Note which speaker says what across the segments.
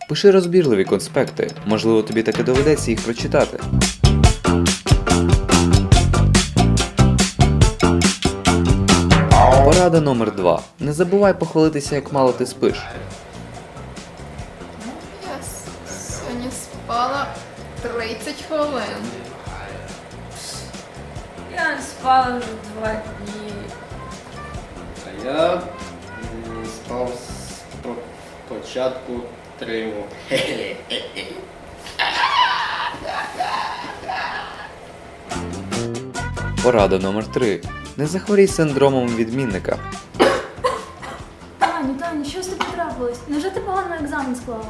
Speaker 1: Пиши розбірливі конспекти, можливо тобі таки доведеться їх прочитати. Порада номер 2. Не забувай похвалитися, як мало ти спиш.
Speaker 2: Я сьогодні спала 30 хвилин.
Speaker 3: Я не спала вже 2 дні.
Speaker 4: А я спав з початку триму.
Speaker 1: Порада номер 3. Не захворій синдромом відмінника.
Speaker 5: Таню, що з тобі трапилось? Невже ти погано екзамен склала?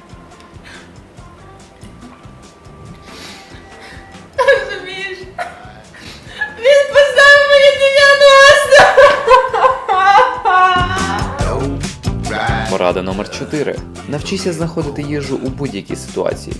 Speaker 3: Розумієш? Він поставив мені 90!
Speaker 1: Порада номер 4. Навчися знаходити їжу у будь-якій ситуації.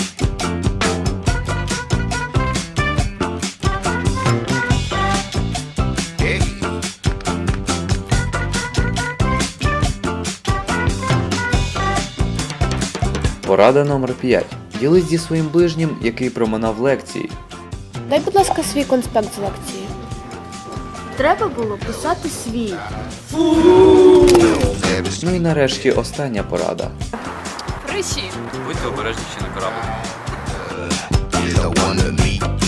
Speaker 1: Порада номер 5. Ділись зі своїм ближнім, який проминав лекції.
Speaker 6: Дай, будь ласка, свій конспект з лекції.
Speaker 5: Треба було писати свій.
Speaker 1: Ну і нарешті остання порада.
Speaker 2: Прищі.
Speaker 7: Будьте обережніші на кораблі.
Speaker 8: is the one to meet.